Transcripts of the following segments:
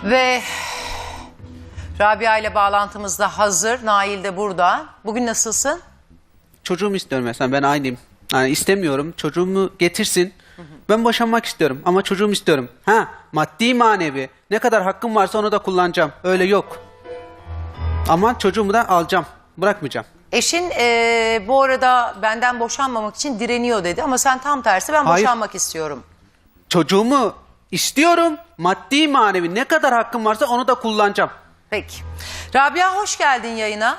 Ve Rabia ile bağlantımız da hazır. Nail de burada. Bugün nasılsın? Çocuğumu istiyorum mesela, ben aynıyım. Yani istemiyorum, çocuğumu getirsin. Ben boşanmak istiyorum ama çocuğumu istiyorum. Ha, maddi manevi ne kadar hakkım varsa onu da kullanacağım. Öyle yok. Ama çocuğumu da alacağım. Bırakmayacağım. Eşin bu arada benden boşanmamak için direniyor dedi. Ama sen tam tersi ben Hayır. boşanmak istiyorum. Çocuğumu istiyorum. Maddi manevi ne kadar hakkım varsa onu da kullanacağım. Peki. Rabia hoş geldin yayına.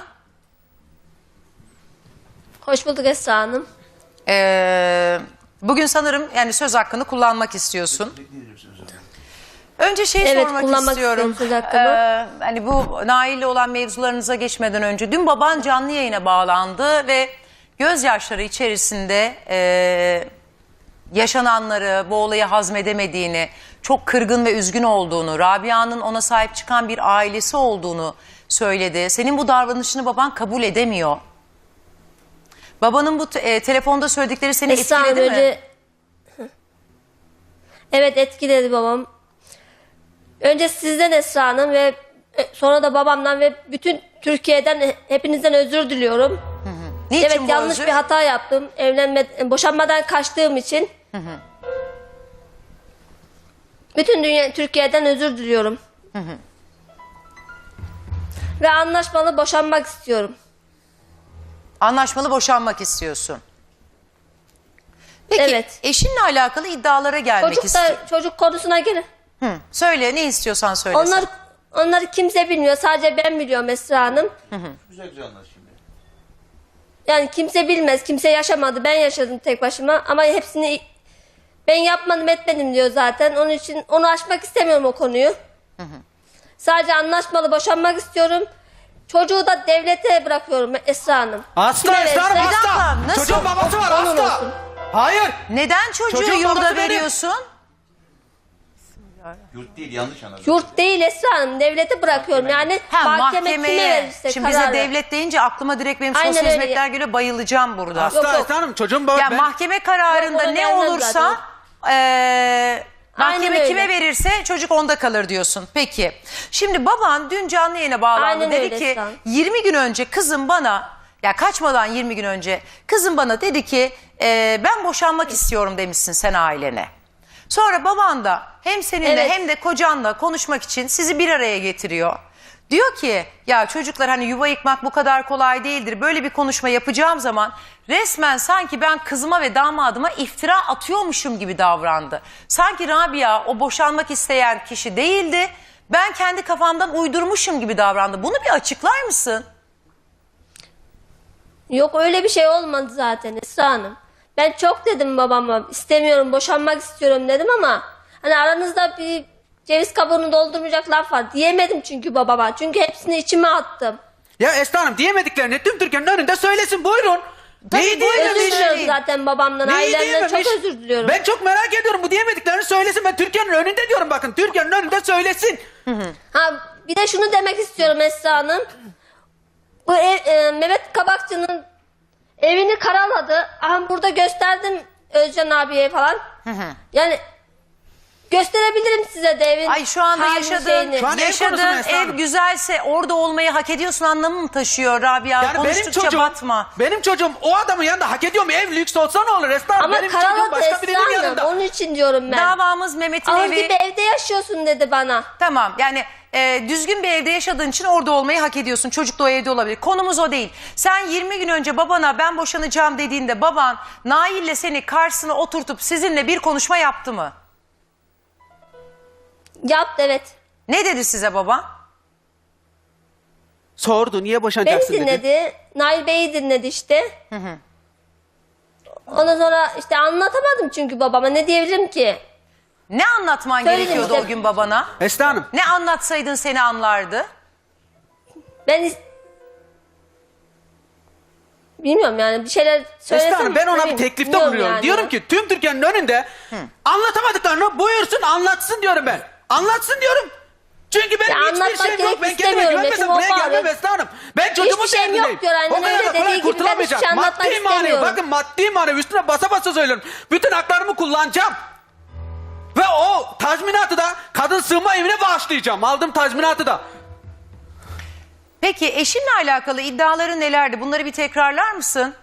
Hoş bulduk Esra Hanım. Bugün sanırım yani söz hakkını kullanmak istiyorsun. Önce Evet, sormak kullanmak istiyorum. istiyorum söz hakkımı. Hani bu Nail'le olan mevzularınıza geçmeden önce dün baban canlı yayına bağlandı ve gözyaşları içerisinde yaşananları, bu olayı hazmedemediğini, çok kırgın ve üzgün olduğunu, Rabia'nın ona sahip çıkan bir ailesi olduğunu söyledi. Senin bu davranışını baban kabul edemiyor. Babanın bu telefonda söyledikleri seni Esra Hanım etkiledi mi? önce... Evet, etkiledi babam. Önce sizden Esra Hanım ve sonra da babamdan ve bütün Türkiye'den hepinizden özür diliyorum. Niçin Evet, bu yanlış özür? bir hata yaptım. Boşanmadan kaçtığım için. Bütün Türkiye'den özür diliyorum. Ve anlaşmalı boşanmak istiyorum. Anlaşmalı boşanmak istiyorsun. Peki Evet. eşinle alakalı iddialara gelmek istiyorum. Çocuk konusuna gelin. Söyle, ne istiyorsan söyle. Onları kimse bilmiyor. Sadece ben biliyorum Esra Hanım. Güzel güzel anlat şimdi. Yani kimse bilmez. Kimse yaşamadı. Ben yaşadım tek başıma. Ama hepsini ben yapmadım etmedim diyor zaten. Onun için onu açmak istemiyorum o konuyu. Sadece anlaşmalı boşanmak istiyorum. Çocuğu da devlete bırakıyorum Esra Hanım. Hasta Kime Esra Hanım, verirse- Bir dakika, hasta. nasıl? Çocuğun babası var, Onun hasta. olsun. Hayır. Neden çocuğu Çocuğun yurda babası benim. veriyorsun? Yurt değil, yanlış anladın. Yurt değil Esra Hanım. Devlete bırakıyorum. Yani mahkeme kime verirse Şimdi bize kararı. devlet deyince aklıma direkt benim Aynen sosyal öyle. hizmetler geliyor, bayılacağım burada. Hasta Yok. Esra Hanım, çocuğum babası. Ya mahkeme kararında Yok, ne ona gelmez olursa mahkeme öyle. kime verirse çocuk onda kalır diyorsun. Peki. Şimdi baban dün canlı yayına bağlandı. Aynen Dedi öyle ki Esra. 20 gün önce kızım bana, ya kaçmadan 20 gün önce kızım bana dedi ki ben boşanmak istiyorum demişsin sen ailene. Sonra baban da hem seninle Evet. hem de kocanla konuşmak için sizi bir araya getiriyor. Diyor ki ya çocuklar, hani yuva yıkmak bu kadar kolay değildir. Böyle bir konuşma yapacağım zaman resmen sanki ben kızıma ve damadıma iftira atıyormuşum gibi davrandı. Sanki Rabia o boşanmak isteyen kişi değildi. Ben kendi kafamdan uydurmuşum gibi davrandı. Bunu bir açıklar mısın? Yok, öyle bir şey olmadı zaten Esra Hanım. Ben çok dedim babama, istemiyorum, boşanmak istiyorum dedim ama hani aranızda bir ceviz kabuğunu doldurmayacak laf var diyemedim çünkü babama. Çünkü hepsini içime attım. Ya Esra Hanım, diyemediklerini tüm Türkiye'nin önünde söylesin, buyurun. Tabii, Neyi buyurun. diyememiş? Özür diliyorum zaten babamdan, Neyi ailemden çok diyememiş? özür diliyorum. Ben çok merak ediyorum, bu diyemediklerini söylesin. Ben Türkiye'nin önünde diyorum, bakın Türkiye'nin önünde söylesin. Ha, bir de şunu demek istiyorum Esra Hanım. Bu Mehmet Kabakçı'nın evini karaladı. Aha, burada gösterdim Özcan abiye falan. Yani gösterebilirim size de evin. Ay şu anda halini, şeyini. Şu an ev konusu yaşadığın Esra ev Hanım. güzelse orada olmayı hak ediyorsun anlamı mı taşıyor Rabia? Yani Konuştukça batma. benim çocuğum o adamın yanında hak ediyor mu? Ev lüks olsa ne olur Esra Hanım? Ama Benim çocuğum karaladı başka Esra birinin Hanım. yanında. Onun için diyorum ben. Davamız Mehmet'in Ağır evi. gibi evde yaşıyorsun dedi bana. Tamam, yani düzgün bir evde yaşadığın için orada olmayı hak ediyorsun. Çocuk da o evde olabilir. Konumuz o değil. Sen 20 gün önce babana ben boşanacağım dediğinde baban Nail'le seni karşısına oturtup sizinle bir konuşma yaptı mı? Yaptı, evet. Ne dedi size baba? Sordu, niye Beni boşanacaksın dedi. dinledi. Nail Bey'i dinledi işte. Ondan sonra işte anlatamadım çünkü babama. Ne diyebilirim ki? Ne anlatman Söyledim gerekiyordu işte. o gün babana? Esra Hanım. Ne anlatsaydın seni anlardı? Bilmiyorum yani, bir şeyler söylesem. Esra Hanım, ben ona bir söyleyeyim. teklifte Bilmiyorum bulunuyorum. yani. Diyorum ki tüm Türkiye'nin önünde anlatamadıklarını buyursun anlatsın diyorum ben. Anlatsın diyorum. Çünkü benim Ya hiçbir anlatmak şeyim yok. gerek Ben kendime istemiyorum. güvenmesem Hepim buraya o gelmem bağlı. Esra Hanım. Ben çocuğumun Hiçbir şeyim derdindeyim. yok diyor, aynen O kadar öyle. da kolay Dediği gibi ben kurtulamayacak. hiçbir şey anlatmak Maddi manevi, istemiyorum. bakın maddi manevi üstüne basa basa söylüyorum. Bütün haklarımı kullanacağım. Ve o tazminatı da kadın sığınma evine bağışlayacağım. Aldım tazminatı da. Peki eşinle alakalı iddiaları nelerdi? Bunları bir tekrarlar mısın?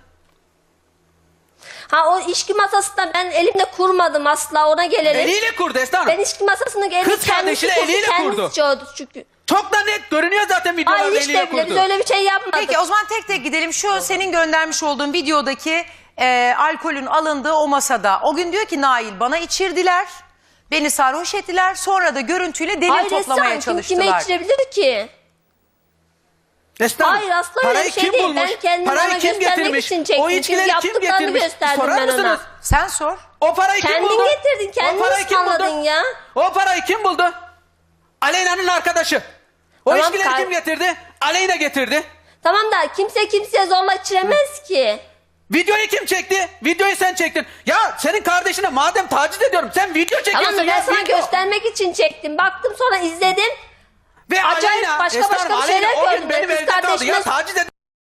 Ha, o içki masasında ben elimle kurmadım asla, ona gelelim. Eliyle kurdu Esra Hanım. Ben içki masasını elini Kız kardeşini eliyle kurdu. Kendisi çoğdu çünkü. Çok da net görünüyor zaten videolarda Hayır, hiç eliyle de bile kurdu. biz öyle bir şey yapmadık. Peki o zaman tek tek gidelim. Şu senin göndermiş olduğun videodaki alkolün alındığı o masada. O gün diyor ki Nail bana içirdiler. Beni sarhoş ettiler. Sonra da görüntüyle delil Hayır toplamaya Esra, kim çalıştılar. kime içirebilir ki? Esra Hanım, Hayır, asla öyle parayı bir şey kim değil. bulmuş? Ben kendimi Parayı ona kim göstermek getirmiş? için çektim. O Çünkü içkileri kim yaptıklarını getirmiş? gösterdim Sorar ben ona. mısınız? Sen sor. O parayı kim Kendin buldu? getirdin, kendin O parayı kim buldu? ısmarladın ya. O parayı kim buldu? Aleyna'nın arkadaşı. O Tamam, içkileri kim getirdi? Aleyna getirdi. Tamam da kimse kimseye zorla içiremez ki. Videoyu kim çekti? Videoyu sen çektin. Ya senin kardeşine madem taciz ediyorum sen video çekiyorsun Tamam da ben ya. sana video. göstermek için çektim. Baktım sonra izledim. Ve acayip Aleyna, başka Esra başka Hanım, bir şeyler Aleyna o gün gördüm. benim Kız evde kaldı ya kardeşime- taciz ediyorum.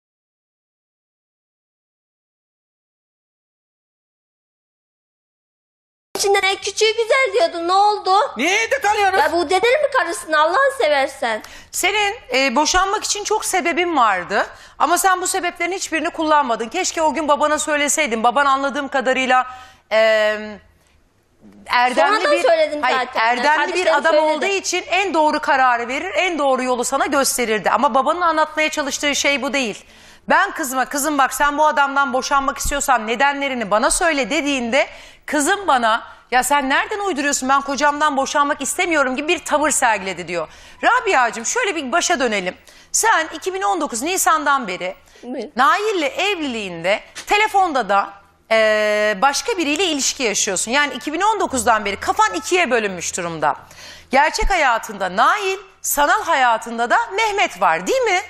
İçinden en küçüğü güzel diyordun, ne oldu? Niye evde kalıyorsunuz? Ya bu denir mi karısın, Allah'ını seversen? Senin boşanmak için çok sebebin vardı. Ama sen bu sebeplerin hiçbirini kullanmadın. Keşke o gün babana söyleseydin. Baban anladığım kadarıyla erdemli Sonradan söyledim hayır, zaten. erdemli bir Kardeşlerim adam söyledi. olduğu için en doğru kararı verir, en doğru yolu sana gösterirdi. Ama babanın anlatmaya çalıştığı şey bu değil. Ben kızıma, kızım bak sen bu adamdan boşanmak istiyorsan nedenlerini bana söyle dediğinde kızım bana ya sen nereden uyduruyorsun, ben kocamdan boşanmak istemiyorum gibi bir tavır sergiledi diyor. Rabia'cığım şöyle bir başa dönelim. Sen 2019 Nisan'dan beri Buyurun. Nail'le evliliğinde telefonda da başka biriyle ilişki yaşıyorsun. Yani 2019'dan beri kafan ikiye bölünmüş durumda. Gerçek hayatında Nail, sanal hayatında da Mehmet var değil mi?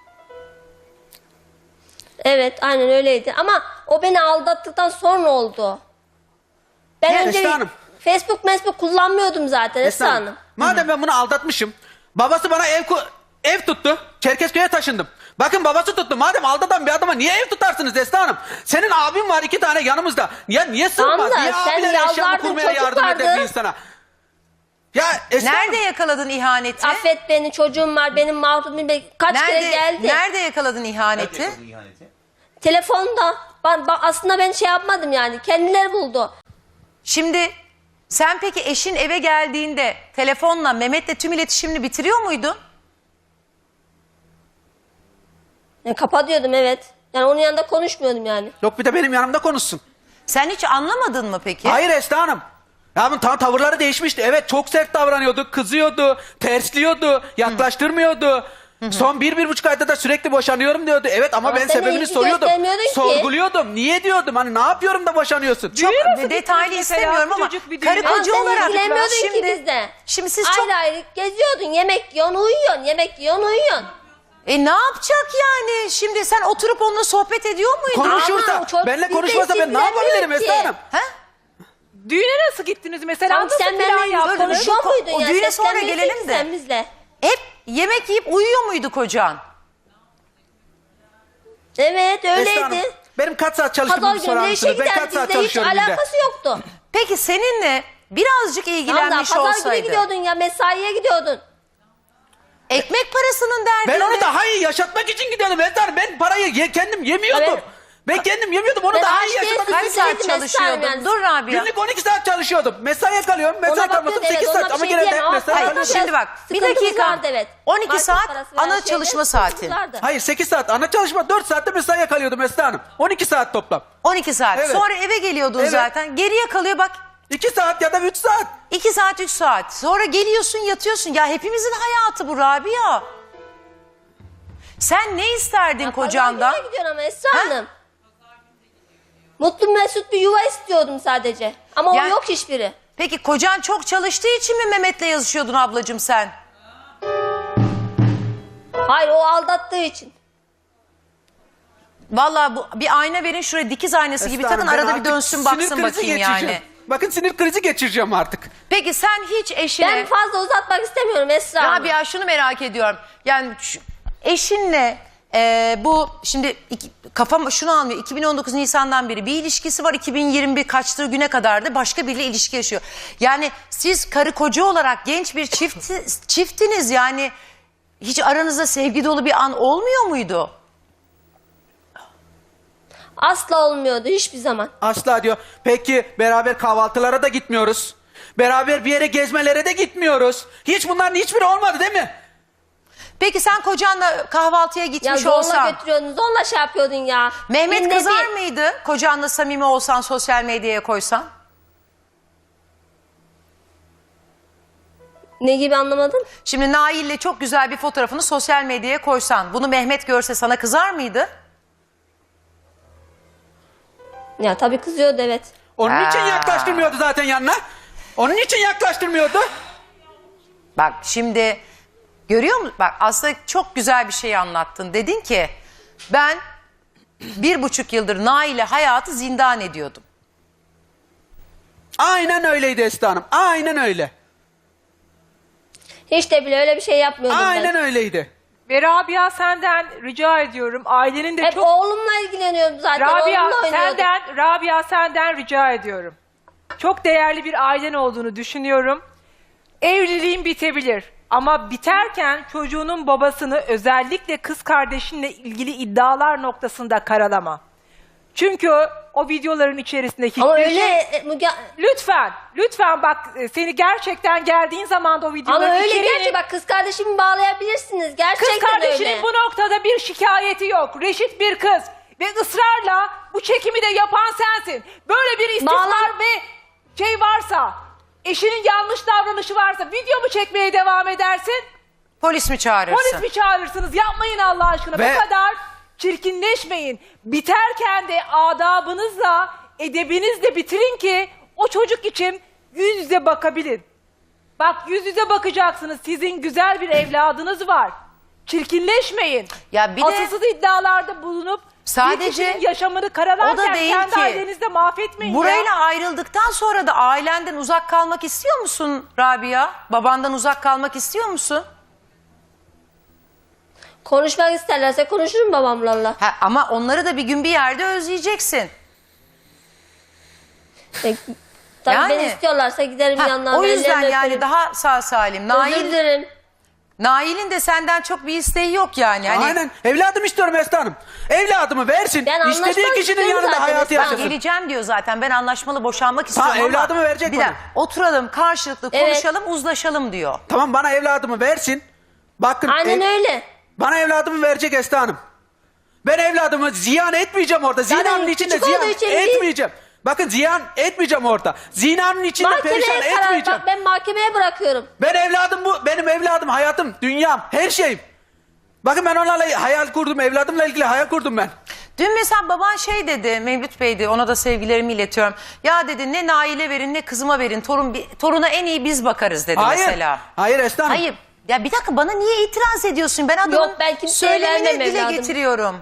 Evet, aynen öyleydi. Ama o beni aldattıktan sonra oldu. Ben Ya önce Esra Hanım. Facebook kullanmıyordum zaten Esra Esra Hanım. Madem ben bunu aldatmışım. Babası bana ev tuttu. Çerkezköy'e taşındım. Bakın babası tuttu. Madem aldatan bir adama niye ev tutarsınız Esra Hanım? Senin abin var 2 tane yanımızda. Ya niye sığmaz? Tamam da Niye sen abiler eşyamı yalvardın, kurmaya çocuk yardım eder vardı. bir insana? Ya Esra Nerede Hanım, yakaladın ihaneti? Affet beni, çocuğum var, benim mahrumum, kaç kere geldi. Nerede yakaladın ihaneti? Nerede ihaneti? Telefonda. Aslında ben şey yapmadım yani, kendileri buldu. Şimdi sen peki eşin eve geldiğinde telefonla Mehmet'le tüm iletişimini bitiriyor muydun? Yani kapatıyordum, evet. Yani onun yanında konuşmuyordum yani. yok bir de benim yanımda konuşsun. Sen hiç anlamadın mı peki? Hayır Esra Hanım. Ya bunun tavırları değişmişti. Evet çok sert davranıyordu, kızıyordu, tersliyordu, yaklaştırmıyordu. Son 1-1,5 ayda da sürekli boşanıyorum diyordu. Evet ama Ama ben sen sebebini ilgi soruyordum. göstermiyordun ki. Sorguluyordum. Niye diyordum? Hani ne yapıyorum da boşanıyorsun? Çok nasıl detaylı gittiniz mesela? istemiyorum ama Küçücük bir karı düğüne. Ama koca sen olarak ilgilenmiyordun şimdi, ki bizde. şimdi siz Ayrı çok ayrı geziyordun, yemek yiyorsun, uyuyorsun, yemek yiyorsun, uyuyorsun. ne yapacak yani? Şimdi sen oturup onunla sohbet ediyor muydun? Konuşursa, Ama çok benimle bizi konuşmasa ben ne ilgilenmiyor yapabilirim ki. Esra Hanım? Ha? Düğüne nasıl gittiniz mesela? Tamam, Nasıl sen plan benimle yaptınız? konuşuyor Dur, muydun o ya? düğüne sonra Seslenmiyorsun gelelim ki de. sen bizle. Hep yemek yiyip uyuyor muydu kocan? Evet, Esra Hanım, öyleydi. benim kaç saat Pazar çalıştığımı sorar günü işe mısınız? Ben gider, kaç saat bizle hiç çalışıyorum günde? alakası yoktu. Peki seninle birazcık Tamam da ilgilenmiş pazar günü olsaydı. gidiyordun ya, mesaiye gidiyordun. Ekmek parasının derdinde. Ben onu daha iyi yaşatmak için gidiyordum Esra Hanım. Ben parayı kendim yemiyordum. Evet. Ben kendim yemiyordum. Onu Ben daha aç iyi yaşamak değilsin, Kaç için. saat Mesai çalışıyordun? yani. Dur Rabia. Günlük 12 saat çalışıyordum. Mesaiye kalıyorum. Mesai Ona kalmasam bakıyordu, 8 evet, saat ona ama bir şey gene de diyemem hep ama mesai Hayır, kalıyorum. şimdi bak bir Sıkıntımız dakika. vardı, evet. 12 Market saat parası veren ana şeyde çalışma sıkıntımız saati. vardı. Hayır 8 saat. Ana çalışma 4 saatte mesaiye kalıyordum Esra Hanım. 12 saat toplam. 12 saat. Evet. Sonra eve geliyordun Evet. zaten. Geriye kalıyor bak 2 saat ya da 3 saat. 2 saat 3 saat. Sonra geliyorsun yatıyorsun. Ya hepimizin hayatı bu Rabia. Sen ne isterdin kocandan? Pazar günü gidiyorsun ama Esra Hanım. Mutlu mesut bir yuva istiyordum sadece. Ama Yani- o yok hiçbiri. Peki kocan çok çalıştığı için mi Mehmet'le yazışıyordun ablacığım sen? Hayır, o aldattığı için. Vallahi bu bir ayna verin şuraya, dikiz aynası gibi Esra takın, Hanım, ben arada bir artık dönsün sinir baksın krizi bakayım geçireceğim. yani. Bakın sinir krizi geçireceğim artık. Peki sen hiç eşine... Ben fazla uzatmak istemiyorum Esra Hanım. Rabia şunu merak ediyorum. Yani eşinle bu şimdi kafam şunu almıyor. 2019 Nisan'dan beri bir ilişkisi var. 2021 kaçtığı güne kadar da başka biriyle ilişki yaşıyor. Yani siz karı koca olarak genç bir çiftiniz yani hiç aranızda sevgi dolu bir an olmuyor muydu? Asla olmuyordu hiçbir zaman. Asla diyor. Peki beraber kahvaltılara da gitmiyoruz. Beraber bir yere gezmelere de gitmiyoruz. Hiç bunların hiçbiri olmadı değil mi? Peki sen kocanla kahvaltıya Ya gitmiş zorla olsan götürüyordun, zorla şey yapıyordun ya. Mehmet Günde kızar bir- mıydı kocanla samimi olsan sosyal medyaya koysan? Ne gibi anlamadım? Şimdi Nail'le çok güzel bir fotoğrafını sosyal medyaya koysan bunu Mehmet görse sana kızar mıydı? Ya tabii kızıyordu, evet. Onun için yaklaştırmıyordu zaten yanına. Onun için yaklaştırmıyordu. Bak şimdi görüyor musun? Bak aslında çok güzel bir şey anlattın. Dedin ki ben 1,5 yıldır Nail'e hayatı zindan ediyordum. Aynen öyleydi Esra Hanım. Aynen öyle. Hiç de bile öyle bir şey yapmıyordum Aynen ben. öyleydi. Ve Rabia senden rica ediyorum. Ailenin de Hep çok... oğlumla ilgileniyordum zaten. Rabia Oğlumla oynuyordum. senden rica ediyorum. Çok değerli bir ailen olduğunu düşünüyorum. Evliliğin bitebilir. Ama biterken çocuğunun babasını özellikle kız kardeşinle ilgili iddialar noktasında karalama. Çünkü o videoların içerisinde hiçbir Ama şey... öyle Lütfen bak seni gerçekten geldiğin zaman da o videoların ama öyle içeriğini... gerçi bak kız kardeşimi bağlayabilirsiniz. Kız Gerçekten kardeşinin öyle. bu noktada bir şikayeti yok. Reşit bir kız ve ısrarla bu çekimi de yapan sensin. Böyle bir istismar Bağlan- ve şey varsa, eşinin yanlış davranışı varsa video mu çekmeye devam edersin? Polis mi çağırırsın? Polis mi çağırırsınız? Yapmayın Allah aşkına. Ve- Bu kadar çirkinleşmeyin. Biterken de adabınızla, edebinizle bitirin ki o çocuk için yüz yüze bakabilin. Bak yüz yüze bakacaksınız. Sizin güzel bir evladınız var. Çirkinleşmeyin. Ya bir de- asılsız iddialarda bulunup Sadece- bir kişinin yaşamını karalarken O da değil kendi ki. ailenizde mahvetmeyin Burayla ya. ayrıldıktan sonra da ailenden uzak kalmak istiyor musun Rabia? Babandan uzak kalmak istiyor musun? Konuşmak isterlerse konuşurum babamlarla. Ha, ama onları da bir gün bir yerde özleyeceksin. Tabii Yani- beni istiyorlarsa giderim Ha, yanlarına. o yüzden ellerini yani öperim. daha sağ salim. Özür dilerim. Nail'in de senden çok bir isteği yok yani. Hani Aynen. Evladım istiyorum Esra Hanım. Evladımı versin. Ben İstediği anlaşmak kişinin istiyorum yanında zaten hayatı Esra Hanım. yaşasın. geleceğim diyor zaten. Ben anlaşmalı boşanmak istiyorum ama. evladımı verecek Bir bana. dakika, oturalım karşılıklı Evet. konuşalım uzlaşalım diyor. Tamam bana evladımı versin. Bakın Aynen öyle. bana evladımı verecek Esra Hanım. Ben evladımı ziyan etmeyeceğim orada. Zaten Zinanın içinde küçük ziyan olduğu için etmeyeceğim. Bakın ziyan etmeyeceğim orada. Zinanın içinde perişan Mahkemeye karar etmeyeceğim. bak, ben mahkemeye bırakıyorum. Ben evladım bu. Benim evladım, hayatım, dünyam, her şeyim. Bakın ben onlarla hayal kurdum. Evladımla ilgili hayal kurdum ben. Dün mesela baban şey dedi, Mevlüt Bey'di, ona da sevgilerimi iletiyorum. Ya dedi ne Nail'e verin ne kızıma verin, toruna en iyi biz bakarız dedi Hayır. mesela. Hayır Esra Hanım. Hayır. Ya bir dakika bana niye itiraz ediyorsun? Ben adamın Yok, ben kimseye söylemini vermem dile evladım. getiriyorum.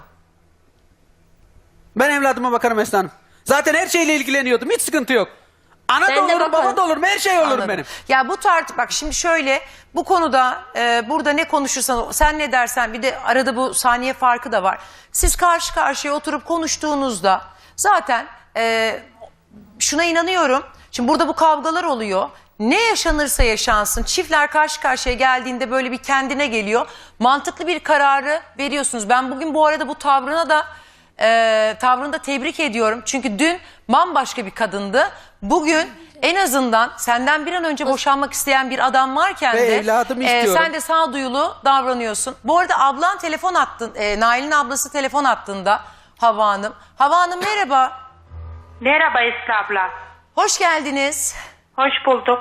Ben evladıma bakarım Esra Hanım. Zaten her şeyle ilgileniyordum. Hiç sıkıntı yok. Ana Ben da de olurum, bakarım. baba da olurum. Her şey olurum Anladım. benim. Ya bu bak şimdi şöyle bu konuda burada ne konuşursan sen ne dersen bir de arada bu saniye farkı da var. Siz karşı karşıya oturup konuştuğunuzda zaten şuna inanıyorum. Şimdi burada bu kavgalar oluyor. Ne yaşanırsa yaşansın çiftler karşı karşıya geldiğinde böyle bir kendine geliyor. Mantıklı bir kararı veriyorsunuz. Ben bugün bu arada bu tavrını da tebrik ediyorum. Çünkü dün bambaşka bir kadındı. Bugün en azından senden bir an önce boşanmak isteyen bir adam varken Ve de evladımı istiyorum. sen de sağduyulu davranıyorsun. Bu arada ablan telefon attın. Nail'in ablası telefon attığında Hava Hanım. Hava Hanım merhaba. Merhaba Esra abla. Hoş geldiniz. Hoş bulduk.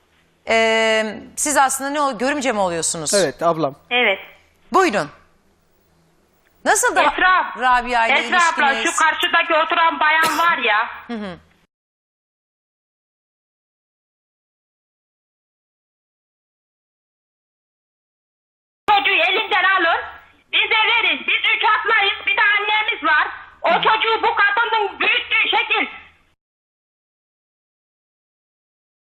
Siz aslında görümce mi oluyorsunuz? Evet ablam. Evet. Buyurun. Nasıl da Esra, Rabia ile Esra abla ilişkiniz? şu karşıdaki oturan bayan var ya. Çocuğu elinden alın. Bize verin. Biz 3 atlayız. Bir de annemiz var. O çocuğu bu kadının büyüttüğü şekil.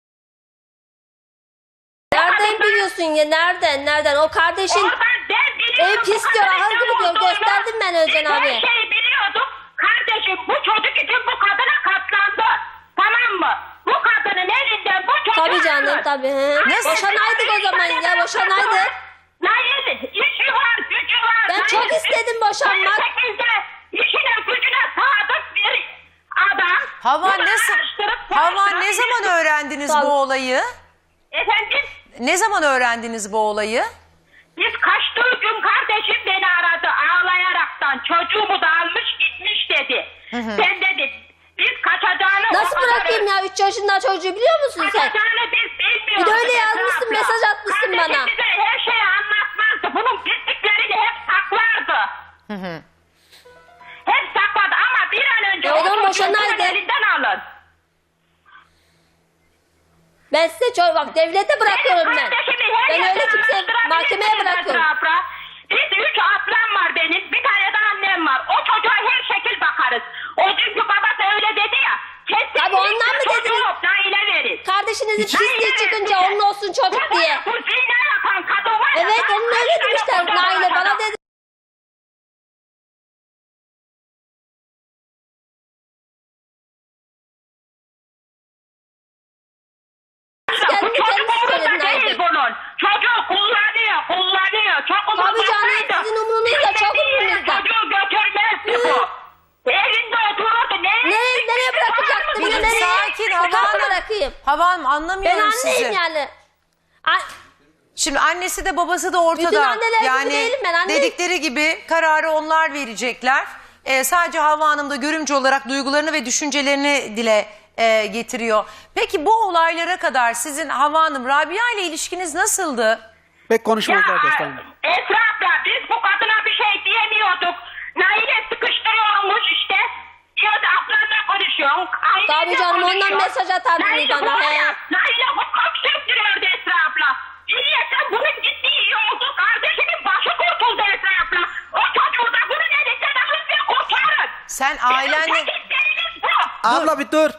Nereden biliyorsun ya? Nereden? O kardeşin... Oradan ben biliyorum. Ev pis diyor, ahır gibi diyor. Gösterdim ben Özcan Biz abiye. her şeyi biliyorduk. Kardeşim bu çocuk için bu kadına katlandı. Tamam mı? Bu kadının elinden bu çocuğu Tabii canım alır. tabii. He. Nasıl? Boşanaydık o zaman ya, boşanaydık. Nail işi var, gücü var. Ben Nail, çok istedim boşanmak. 18'de işine gücüne sadık bir adam. Havan Bunu ne, araştırıp Havan ne soruşturup- zaman öğrendiniz Sağ ol. bu olayı? Efendim? Ne zaman öğrendiniz bu olayı? Biz kaçtığı gün kardeşim beni aradı ağlayaraktan. Çocuğumu da almış gitmiş dedi. Ben dedim biz kaçacağını... Nasıl o kadar- bırakayım ya? 3 yaşında çocuğu biliyor musun sen? Kaçacağını biz bilmiyorduk. Bir de öyle Esra yazmışsın, abla. mesaj atmışsın Kardeşim bana. bize her şeyi anlatmazdı. Bunun bittiklerini hep saklardı. Hep sakladı ama bir an önce E, o zaman çocuğu boşanaydı. bunun elinden alın. Ben size bak devlete bırakıyorum ben. Kardeşimi her Ben yerden öyle kimse araştırabilirsiniz mahkemeye bırakıyorum. Esra abla. Biz 3 ablam var benim. Bir tane de annem var. O çocuğa her şekil bakarız. O dünkü babası öyle dedi ya. Kesinlikle Tabii ondan mı çocuğu dediniz? Nail'e verin. Kardeşinizin pisliği çıkınca onun olsun çocuk Bu- diye. Bu zina yapan kadın var ya. Evet ben onun öyle kaç tane demişler koca Nail'e. var Bana adam. dedi. Bu Kendini çocuk kendisi söyledi umurunda değil Nail'e. bunun. Çocuk kullanıyor. Çok Tabii canım, umursaydı. sizin umurunuzda, çok umurunuzda. Çocuğu götürmezdi bu. Evinde otururdu. Nereye bırakacaktım Bir ya, nereye? sakin Hava Nasıl Hanım. bırakayım? Hava Hanım Ben anlamıyorum anneyim sizi. yani. Ay, Şimdi annesi de babası da ortada. Bütün anneler gibi yani değilim ben, anne. dedikleri gibi kararı onlar verecekler. Sadece Havva Hanım da görümcü olarak duygularını ve düşüncelerini dile getiriyor. Peki bu olaylara kadar sizin Havva Hanım Rabia ile ilişkiniz nasıldı? Pek konuşmazlar Destan Hanım. Esra abla biz bu kadına bir şey diyemiyorduk. Nail'e sıkıştırıyormuş işte. Diyordu ablanla konuşuyorsun. ailenle Tabii canım, ondan konuşuyorsun. mesaj atardı Nail'e bana, bu- he. Nail'e hukuk sürüktürüyordu Esra abla. Niyetten bunun gittiği iyi oldu. Kardeşimin başı kurtuldu Esra abla. O çocuğu da bunun elinden alın ve kurtarın. Sen Bizim ailenle... tek isteğimiz bu. Abla bir dur.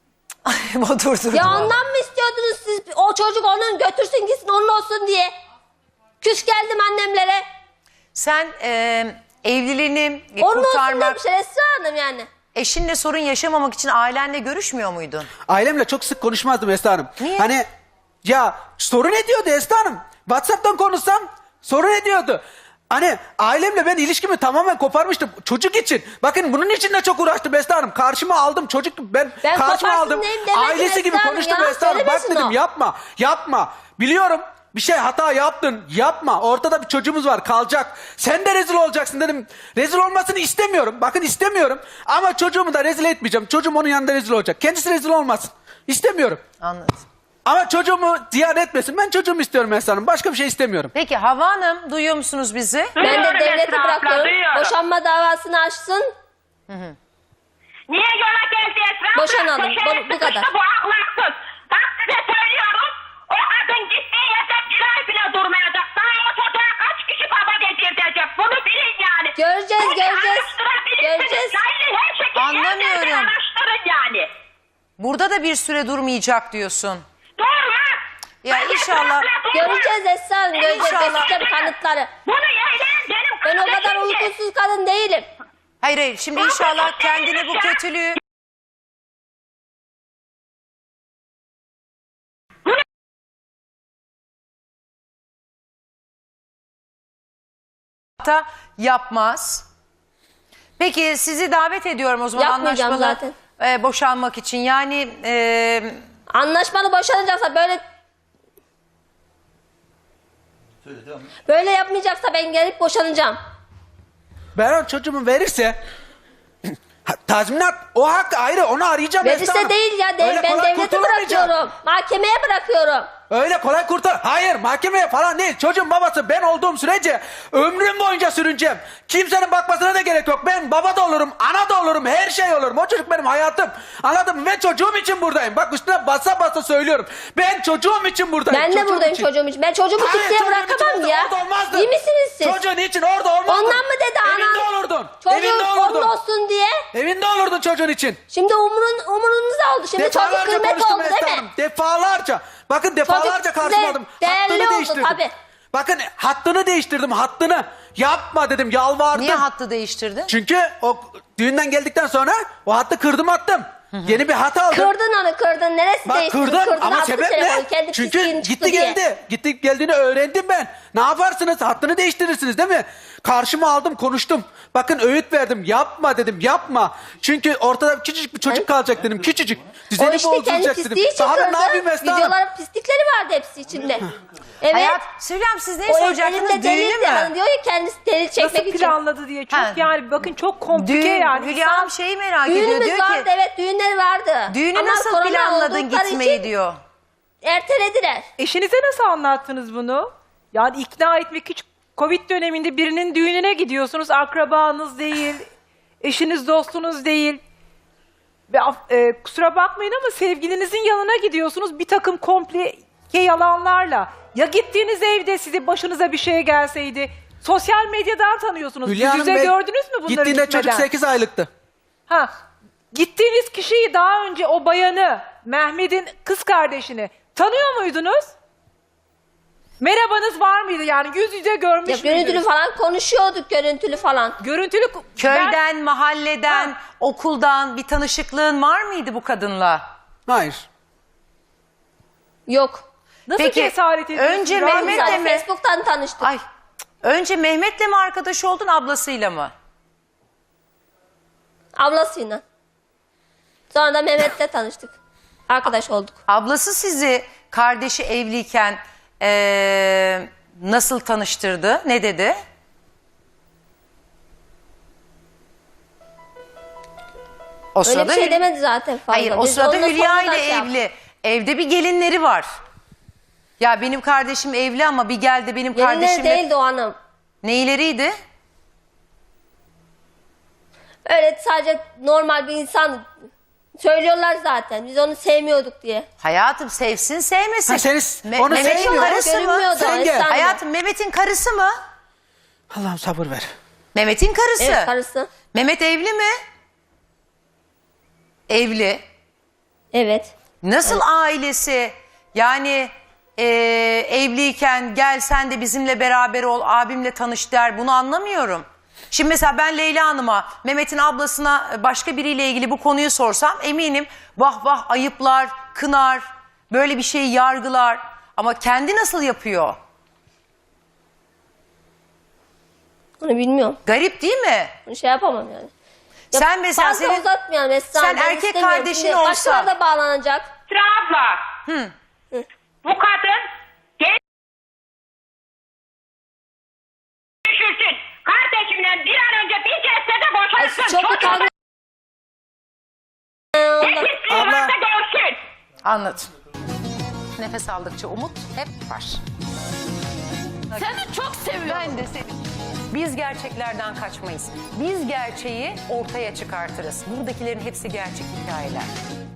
dur. Ya ondan mı istiyordunuz siz? O çocuk onun götürsün gitsin onun olsun diye. Küs geldim annemlere. Sen evliliğini Onun olsun kurtarmak, demişler Esra Hanım yani. eşinle sorun yaşamamak için ailenle görüşmüyor muydun? Ailemle çok sık konuşmazdım Esra Hanım. Niye? Hani ya sorun ediyordu Esra Hanım. WhatsApp'tan konuşsam sorun ediyordu. Hani ailemle ben ilişkimi tamamen koparmıştım çocuk için. Bakın bunun için de çok uğraştım Esra Hanım. Karşıma aldım çocuk ben karşıma koparsın aldım. diyeyim demedim Ailesi gibi Esra Hanım konuştum ya, Esra Hanım. Bak söylemesin dedim o. yapma. Biliyorum bir şey hata yaptın yapma. Ortada bir çocuğumuz var kalacak. Sen de rezil olacaksın dedim. Rezil olmasını istemiyorum. Bakın istemiyorum. Ama çocuğumu da rezil etmeyeceğim. Çocuğum onun yanında rezil olacak. Kendisi rezil olmasın. İstemiyorum. Anladım. Ama çocuğumu ziyan etmesin. Ben çocuğumu istiyorum Esra Hanım. Başka bir şey istemiyorum. Peki Havva Hanım duyuyor musunuz bizi? Ben de Duyuyorum devlete Esra abla, bırakıyorum. duyuyorum. Boşanma davasını açsın. Niye yola geldi Esra abla? Boşanalım, Köşeye bu kadar. sıkıştı, Bu ahlaksız. Bak size söylüyorum. O kadın gittiği yerde bir ay bile durmayacak. Daha o çocuğa kaç kişi baba getirtecek? Bunu bilin yani. Göreceğiz, Bunu göreceğiz. araştırabilirsiniz. Göreceğiz. Yani her şekilde Anlamıyorum. yerden araştırın yani. Burada da bir süre durmayacak diyorsun. Durmaz. Ya Ben inşallah- Esra abla durmaz. Göreceğiz Esra Hanım. Göreceğiz. İnşallah. Göstereceğim kanıtları. Bunu yeğleyen benim Ben o kadar kardeşimdi. uykusuz kadın değilim. Hayır şimdi inşallah kendini bu kötülüğü... da yapmaz. Peki sizi davet ediyorum o zaman Yapmayacağım anlaşmalı boşanmak için. Yani Anlaşmalı boşanacaksa Söyle devam et. böyle yapmayacaksa ben gelip boşanacağım. Ben o çocuğumu verirse tazminat o hak ayrı onu arayacağım Esra Verirse Hanım. değil ya. Öyle Ben kolay devlete kurtulamayacağım. bırakıyorum. Mahkemeye bırakıyorum. Öyle kolay kurtar. Hayır mahkemeye falan değil. Çocuğun babası ben olduğum sürece ömrüm boyunca sürüneceğim. Kimsenin bakmasına da gerek yok. Ben baba da olurum, ana da olurum, her şey olurum. O çocuk benim hayatım. Anladın mı? Ben çocuğum için buradayım. Bak üstüne basa basa söylüyorum. Ben çocuğum için buradayım. Ben de çocuğum buradayım için. çocuğum için. Ben çocuğumu Hayır, kimseye çocuğun için bırakamam orada, ya. orada olmazdın. İyi misiniz siz? Çocuğun için orada olmazdın. Ondan mı dedi Evinde anan? olurdun. Çocuğun Evinde onun olurdun. olsun diye. Evinde olurdun çocuğun için. Şimdi umurunuzda oldu. Şimdi çocuk Defalarca kıymet konuştum oldu Esra değil Hanım. mi? Defalarca. Bakın defalarca size karşıma aldım. değerli Hattını oldu değiştirdim. tabii. Bakın hattını değiştirdim hattını. Yapma dedim, yalvardım. Niye hattı değiştirdin? Çünkü o düğünden geldikten sonra o hattı kırdım attım. Yeni bir hat aldım. Kırdın onu kırdın. Neresi Bak değişti? kırdım Kırdın, ama attı sebep telefonu, ne? kendi Çünkü pisliğin çıktı gitti diye. geldi. Gitti geldiğini öğrendim ben. Ne yaparsınız? Hattını değiştirirsiniz değil mi? Karşıma aldım konuştum. Bakın öğüt verdim. Yapma dedim, yapma. Çünkü ortada küçücük bir çocuk kalacak dedim. Küçücük. O Düzeni işte kendi bozduracak dedim. pisliği için Daha ben kırdı. ne yapayım Esra Hanım? Videoların pislikleri vardı hepsi içinde. Evet. Hayat, Süleyman siz neyi O soracaktınız? elinde Düğünü delildi. mü? Hani diyor ya kendisi delil çekmek Nasıl için. planladı diye. Çok Ha. yani bakın çok komplike Düğün, yani. Hülya Hanım şeyi merak ediyor. Düğünümüz Diyor vardı, ki evet düğünler vardı. düğünü Ama nasıl korona planladın oldukları gitmeyi için diyor. ertelediler. Eşinize nasıl anlattınız bunu? Yani ikna etmek hiç Covid döneminde birinin düğününe gidiyorsunuz. Akrabanız değil, eşiniz dostunuz değil. Ve kusura bakmayın ama sevgilinizin yanına gidiyorsunuz bir takım komplike yalanlarla. Ya gittiğiniz evde size başınıza bir şey gelseydi? Sosyal medyadan tanıyorsunuz. Hülya Yüz Hanım yüze Bey, gördünüz mü bunları gittiğinde gitmeden? çocuk 8 aylıktı. Ha, gittiğiniz kişiyi daha önce o bayanı, Mehmet'in kız kardeşini tanıyor muydunuz? Merhabanız var mıydı yani yüz yüze görmüş Ya görüntülü müydünüz? falan konuşuyorduk, görüntülü falan. Görüntülü Köyden, mahalleden, Ha. okuldan bir tanışıklığın var mıydı bu kadınla? Hayır. Yok. Nasıl Peki, cesaret ediyorsunuz? önce Rahat Mehmet'le mısınız? Sadece mi? Facebook'tan tanıştık. Ay. Önce Mehmet'le mi arkadaş oldun, ablasıyla mı? Ablasıyla. Sonra da Mehmet'le tanıştık. Arkadaş olduk. Ablası sizi kardeşi evliyken nasıl tanıştırdı? Ne dedi? O Öyle bir sırada şey demedi zaten fazla. Hayır, o Biz sırada onunla Hülya sonradan ile şey yaptık. evli. Evde bir gelinleri var. Ya benim kardeşim evli ama bir geldi benim Gelinler kardeşimle... değildi o hanım. Neyleriydi? Öyle sadece normal bir insan. Söylüyorlar zaten. Biz onu sevmiyorduk diye. Hayatım sevsin sevmesin. Ha, onu Mehmet'in sevmiyor. karısı mı? Görünmüyordu. Sen gel. Esra Hayatım Mehmet'in karısı mı? Allah'ım sabır ver. Mehmet'in karısı. Evet, karısı. Mehmet evli mi? Evli. Evet. Nasıl ailesi yani evliyken gel sen de bizimle beraber ol abimle tanış der, bunu anlamıyorum. Şimdi mesela ben Leyla Hanım'a Mehmet'in ablasına başka biriyle ilgili bu konuyu sorsam eminim vah vah ayıplar, kınar, böyle bir şeyi yargılar ama kendi nasıl yapıyor? Onu bilmiyorum. Garip değil mi? Bunu şey yapamam yani. Ya Sen mesela fazla senin- uzatmayalım Esra. sen ben erkek istemiyorum. kardeşin Şimdi olsa- başkaları da bağlanacak. Esra abla. Bu kadın genç düşürsün. Kardeşimle bir an önce bir kez de boşansın. Ay, çok utandım. Ne pisliği Abla. varsa görsün. Anladım. Nefes aldıkça umut hep var. Seni çok seviyorum. Ben de seni. Biz gerçeklerden kaçmayız. Biz gerçeği ortaya çıkartırız. Buradakilerin hepsi gerçek hikayeler.